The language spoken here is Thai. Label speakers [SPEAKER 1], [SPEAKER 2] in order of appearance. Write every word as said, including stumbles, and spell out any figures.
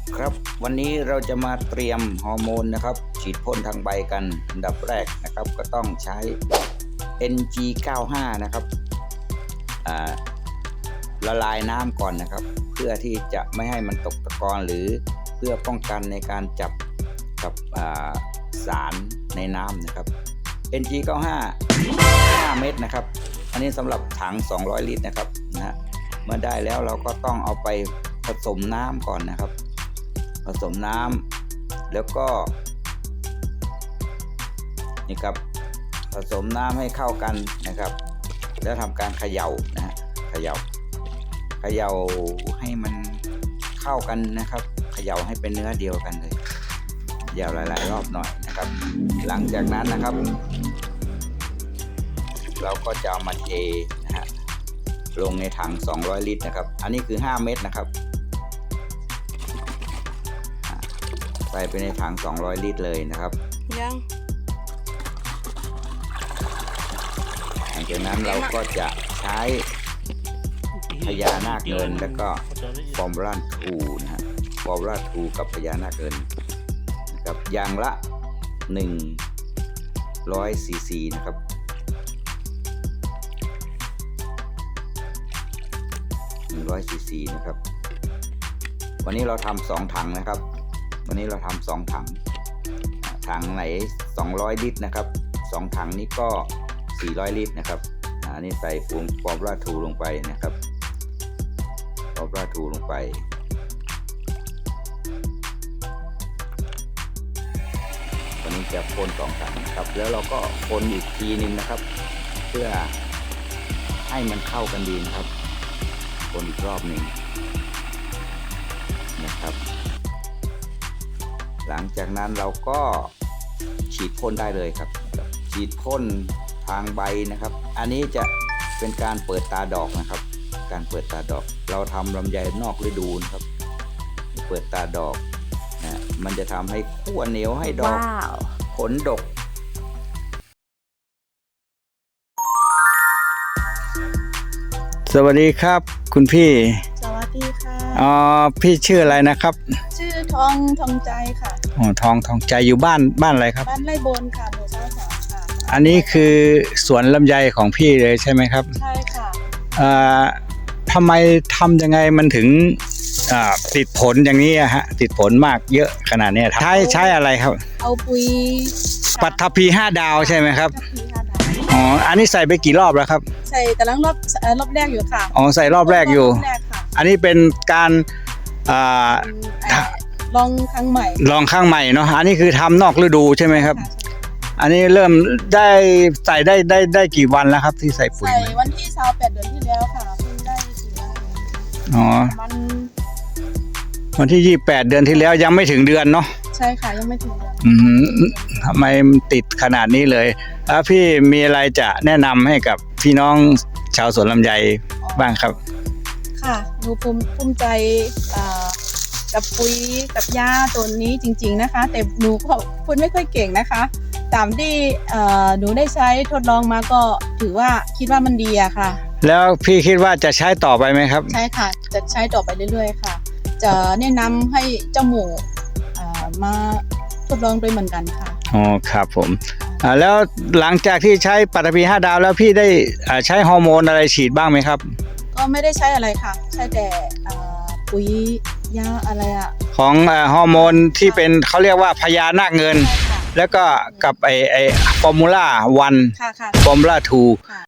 [SPEAKER 1] ครับวันนี้เราจะมาเตรียมฮอร์โมนนะครับฉีดพ่นทางใบกันอันดับแรกนะครับก็ต้องใช้ เอ็น จี เก้าสิบห้า นะครับละลายน้ำก่อนนะครับเพื่อที่จะไม่ให้มันตกตะกอนหรือเพื่อป้องกันในการจับกับสารในน้ำนะครับ เอ็น จี เก้าสิบห้า ห้าเม็ดนะครับอันนี้สำหรับถังสองร้อยลิตรนะครับนะฮะเมื่อได้แล้วเราก็ต้องเอาไปผสมน้ำก่อนนะครับผสมน้ำแล้วก็นี่ครับผสมน้ำให้เข้ากันนะครับแล้วทำการเขย่านะฮะเขย่าเขย่าให้มันเข้ากันนะครับเขย่าให้เป็นเนื้อเดียวกันเลยเขย่าหลายๆรอบหน่อยนะครับหลังจากนั้นนะครับเราก็จะเอามาเทนะฮะลงในถังสองร้อยลิตรนะครับอันนี้คือห้าเม็ดนะครับใส่ไปในถังสองร้อยลิตรเลยนะครับ
[SPEAKER 2] ยัง
[SPEAKER 1] หลังจากนั้นเราก็จะใช้พญานาคเงินแล้วก็ฟอร์มูล่าทูนะฮะฟอร์มูล่าทูกับพญานาคเงินนะครับอย่างละหนึ่งร้อยซีซีนะครับหนึ่งร้อยซีซีนะครับวันนี้เราทำสองถังนะครับวันนี้เราทำสองถังถังไหนสองร้อยลิตรนะครับสองถังนี้ก็สี่ร้อยลิตรนะครับอันนี้ใส่ฟูมฟอร์มูล่าทูลงไปนะครับฟอร์มูล่าทูลงไปวันนี้จะพ่นสองถังนะครับแล้วเราก็พ่นอีกทีนึงนะครับเพื่อให้มันเข้ากันดีนะครับพ่นอีกรอบหนึ่งนะครับหลังจากนั้นเราก็ฉีดพ่นได้เลยครับฉีดพ่นทางใบนะครับอันนี้จะเป็นการเปิดตาดอกนะครับการเปิดตาดอกเราทำลำไยนอกฤดูนะครับเปิดตาดอกนะมันจะทำให้ขั้วเหนียวให้ดอก wow. ผลดกสวัสดีครับคุณพี่
[SPEAKER 2] สวัสดีค่ะ
[SPEAKER 1] อ๋อพี่ชื่ออะไรนะครับ
[SPEAKER 2] ชื่อทองทองใจค่ะ
[SPEAKER 1] อ๋อทองทองใจอยู่บ้านบ้านอะไรครับ
[SPEAKER 2] บ้านไร่บนค่ะหมู่สามสามค่ะ
[SPEAKER 1] อันนี้คือสวนลำไยของพี่เลยใช่ไหมครับ
[SPEAKER 2] ใช่ค่ะ
[SPEAKER 1] อ่าทำไมทำยังไงมันถึงอ่าติดผลอย่างนี้อะฮะติดผลมากเยอะขนาดนี้ใช้ใช้อะไรครับ
[SPEAKER 2] เอาปุ๋ย
[SPEAKER 1] ปัทภีห้าดาวใช่ไหมครับ
[SPEAKER 2] ปัทภีห้าดาว
[SPEAKER 1] อ๋ออันนี้ใส่ไปกี่รอบแล้วครับ
[SPEAKER 2] ใส่กำลังรอบรอบแรกอยู่ค่ะ
[SPEAKER 1] อ๋อใส่รอบแรกอยู่อันนี้เป็นการอ่า
[SPEAKER 2] ลองครั้งใหม่
[SPEAKER 1] ลองครั้งใหม่เนาะอันนี้คือทำนอกฤดูใช่ไหมครับอันนี้เริ่มได้ใส่ได้ได้ได้กี่วันแล้วครับที่ใส่ปุ๋ย
[SPEAKER 2] ใส่วันที่สามแปดเดือนที่แล้วค่ะเพิ่งได้สี่วัน
[SPEAKER 1] อ๋อ
[SPEAKER 2] มัน
[SPEAKER 1] วันที่ยี่สิบแปดเดือนที่แล้วยังไม่ถึงเดือนเนาะ
[SPEAKER 2] ใช่ค่ะยังไม่ถึงเดือน
[SPEAKER 1] อืมทำไมติดขนาดนี้เลยแล้วพี่มีอะไรจะแนะนำให้กับพี่น้องชาวสวนลำไยบ้างครับ
[SPEAKER 2] ค่ะหนูภูมิภูมิใจกับปุ๋ยกับยาตัวนี้จริงๆนะคะแต่หนูก็พูดไม่ค่อยเก่งนะคะตามที่หนูได้ใช้ทดลองมาก็ถือว่าคิดว่ามันดีอะค่ะ
[SPEAKER 1] แล้วพี่คิดว่าจะใช้ต่อไปไหมครับ
[SPEAKER 2] ใช่ค่ะจะใช้ต่อไปเรื่อยๆค่ะจะแนะนำให้เจ้าหมูมาทดลองด้วยเหมือนกันค่ะ
[SPEAKER 1] อ๋อครับผมแล้วหลังจากที่ใช้ปัทภีห้าดาวแล้วพี่ได้ใช้ฮอร์โมนอะไรฉีดบ้างไหมครับ
[SPEAKER 2] ก็ไม่ได้ใช้อะไรค่ะใช้แต่ปุ๋ยยาอะไรอะ
[SPEAKER 1] ของฮอร์โมนที่เป็นเขาเรียกว่าพญานาคเงินแล้วก็กับไอไอฟอร์มูล่าวันฟอร์มูล่าทู